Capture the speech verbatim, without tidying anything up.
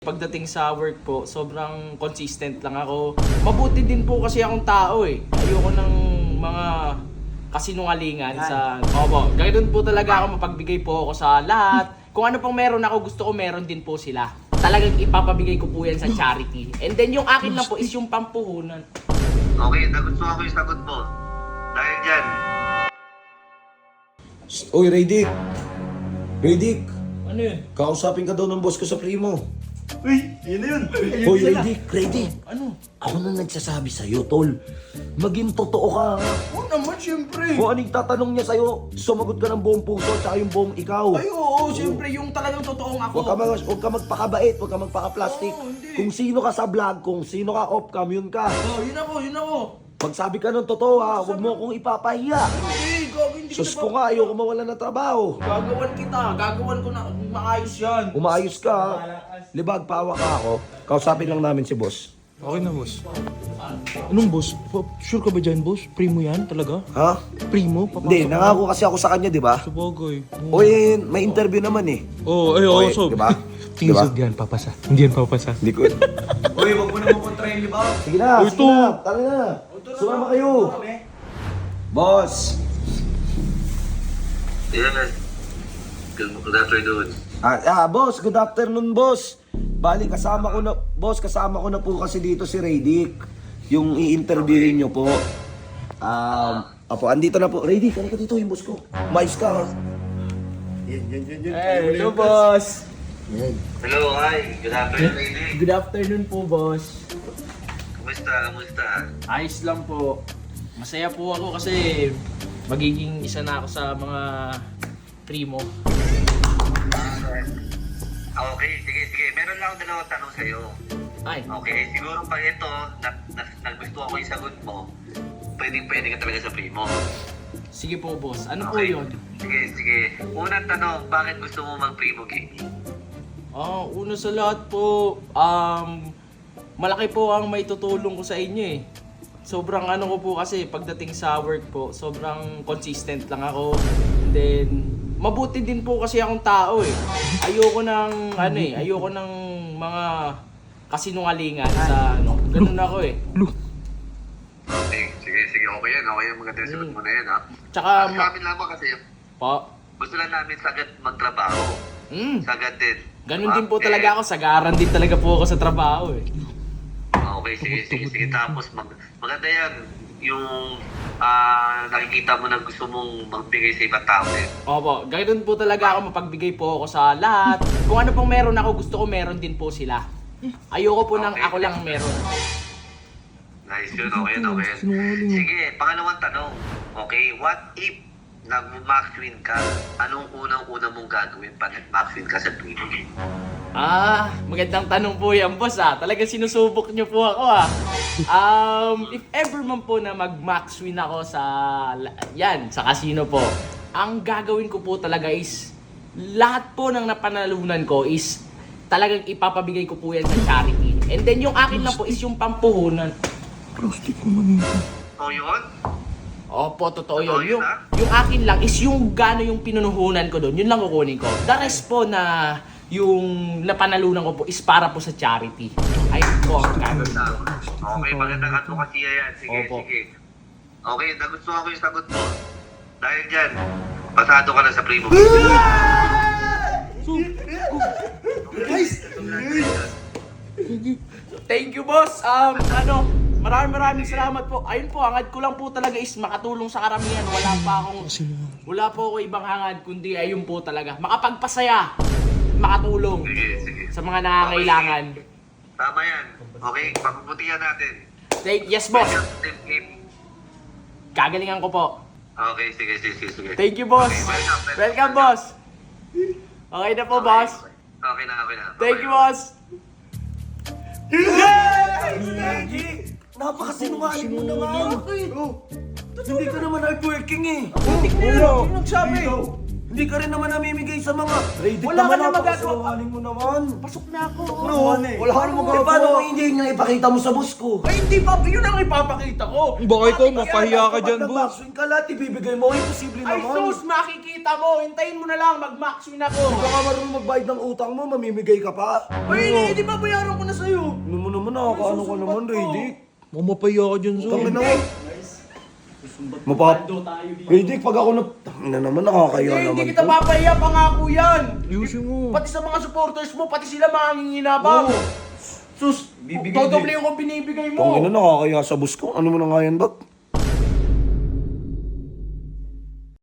Pagdating sa work po, sobrang consistent lang ako. Mabuti din po kasi akong tao eh. Ayoko ng mga kasinungalingan sa... Opo, ganoon po talaga ako, mapagbigay po ako sa lahat. Kung ano pong meron ako, gusto ko meron din po sila. Talagang ipapabigay ko po yan sa charity. And then yung akin lang po is yung pampuhunan. Okay, nagustuhan ko yung sagot mo. Dahil dyan, Uy, Raydick! Raydick! Ano yun? Kausapin ka daw ng boss ko sa primo. Uy, yun na yun. Uy, Raydick! Raydick! Ano? Ako na nagsasabi sa'yo, tol. Maging totoo ka. Oo naman, syempre. Kung anong tatanong niya sa'yo, sumagot ka ng buong puso at yung buong ikaw. Ay oo, syempre yung talagang totoong ako. Huwag ka, mag, huwag ka magpakabait, huwag ka magpaka-plastic. Oo, hindi. Kung sino ka sa vlog, kung sino ka off-cam, yun ka. Oh, yun ako, yun ako. Magsabi ka ng totoo ha, huwag mo akong ipapahiya. Hindi, gago, hindi Sus kita ko nga, ayoko mawala ng trabaho. Gagawan kita, gagawan ko na maayos yan. Umayos ka ha. Libag, pawa ka ako. Kausapin lang namin si boss. Okay na, boss. Anong boss? Pa- Sure ka ba dyan, boss? Primo yan talaga? Ha? Primo? Papasok Hindi, ka? nangako kasi ako sa kanya, di ba? Sabagay. O eh, may interview naman eh. Oo, oh, ay, oo, Oy, so. di ba? Tingin Diba? sa yan, papasa. Hindi yan papasa. Hindi ko. Uy, wag mo naman kontrahin, di ba? Sige na, Uy, sige to. na. Tara na. Sumama kayo. Boss. yan. Good afternoon. Ah, ah, boss, good afternoon, boss. Bali, kasama ko na, boss, kasama ko na po kasi dito si Raydick. Yung i-interviewin nyo po. Um, apo, andito na po. Raydick, ano ka dito, yung boss ko? Mais ka, ha? Yan, yan, yan, yan. Eh, hello boss. Yan. Hello, hi. Good afternoon, lady. Good afternoon po, boss. Kumusta? Kumusta? Ayos lang po. Masaya po ako kasi magiging isa na ako sa mga primo. Okay, sige, sige. Meron lang akong dalawang tanong sa'yo. Ay, Okay, siguro pag ito, na, na, nagustuhan ko yung sagot mo, pwedeng pwede ka talaga sa primo. sige po, boss. Ano po Okay. yun? Sige, sige. Unang tanong, bakit gusto mo mag-primo game? Ah, una sa lahat po, um, malaki po ang may tutulong ko sa inyo eh. Sobrang ano ko po kasi pagdating sa work po, sobrang consistent lang ako. And then, mabuti din po kasi akong tao eh. Ayoko ng ano eh, ayoko ng mga kasinungalingan sa ano. Ganun ako eh. Okay, sige, sige. Okay yan. Okay yan. Maganda yung sagot mo na yan, ha? Tsaka, Sa ma- amin lamang kasi, po, gusto lang namin sagad magtrabaho. mm, Sagad din. ganun din po Okay. talaga ako. Sagaran din talaga po ako sa trabaho eh. Okay, sige, sige, sige. Tapos, mag, maganda yan. Yung ah, nakikita mo na gusto mong magbigay sa ibang tao din. Opo, ganoon po talaga ako, mapagbigay po ako sa lahat. Kung ano pong meron ako, gusto ko meron din po sila. Ayoko po nang Okay. ako lang meron. Nice yun, okay yun, okay yun. Sige, pangalawang tanong. Okay, what if nag-max win ka? Anong unang-una mong gagawin pag nag-max win ka sa primo game? Ah, magandang tanong po yan, boss ah. Talagang sinusubok niyo po ako ah. Um, if ever man po na mag-max win ako sa, yan, sa casino po, ang gagawin ko po talaga is, lahat po ng napanalunan ko is, talagang ipapabigay ko po yan sa charity. And then yung akin lang po is yung pampuhunan. Plastic naman yun. So yun? Opo, totoo Totoo yun. Yung, yun, ha? yung akin lang is yung gano'n yung pinunuhunan ko doon, yun lang kukunin ko. The rest po na yung napanalunan ko po is para po sa charity. Ayun po ang gagawin ko. Okay, magandang advokasya yan. Sige, Opo. sige. Okay, nagustuhan ko yung sagot mo. Dahil dyan, pasado ka na sa primo game. Thank you, boss. Um, ano, maraming maraming salamat po. Ayun po, hangad ko lang po talaga is makatulong sa karamihan. Wala pa akong, wala po ako ibang hangad, kundi ayun po talaga. Makapagpasaya, makatulong Sige, sige. sa mga nangangailangan. Tama yan. Okay, pagpuputihan natin. Thank, yes, boss. Welcome, Team Game. Kagalingan ko po. Okay, sige, sige, sige. sige. Thank you, boss. Okay, welcome, welcome, Welcome, boss. Okay na po, Okay, boss. Okay na, okay na. Thank Okay. you, boss. Napakasinungaling mo naman. Hindi ka naman hardworking eh. Hindi ko nagsabi. Hindi ka rin naman namimigay sa mga... Ready Wala ka naman, na magagawa. napakasinungaling mo naman. Pasok na ako. No, wala ka naman magagawa. Paano kung hindi niya ipakita mo sa boss ko? Ay, hindi pa. Yun ang ipapakita ko. Baka ikaw, mapahiya ka dyan, boss. Mag-maxwin ka lahat, ibibigay mo. Imposible Ay, naman. sus, makikita mo. Hintayin mo na lang. Mag-max win ako. Hindi ka nga marunong magbayad ng utang mo, mamimigay ka pa. Ay, hindi ba bayaran ko na sa'yo? Ano mo naman, nakakaano ka naman, Ready? Mamapahiya ka dyan, so. Tangin na. Mapap... Ready, pag ako na... Tangin na naman, nakakaya Eh, naman hindi kita to. papahiya. Pangako yan. Ayusin mo. Pati sa mga supporters mo, pati sila manginginabang. Sus, Bibigay dodoble yung kung binibigay mo. Tangin na, nakakaya sa boss ko. Ano mo na nga yan, Bak?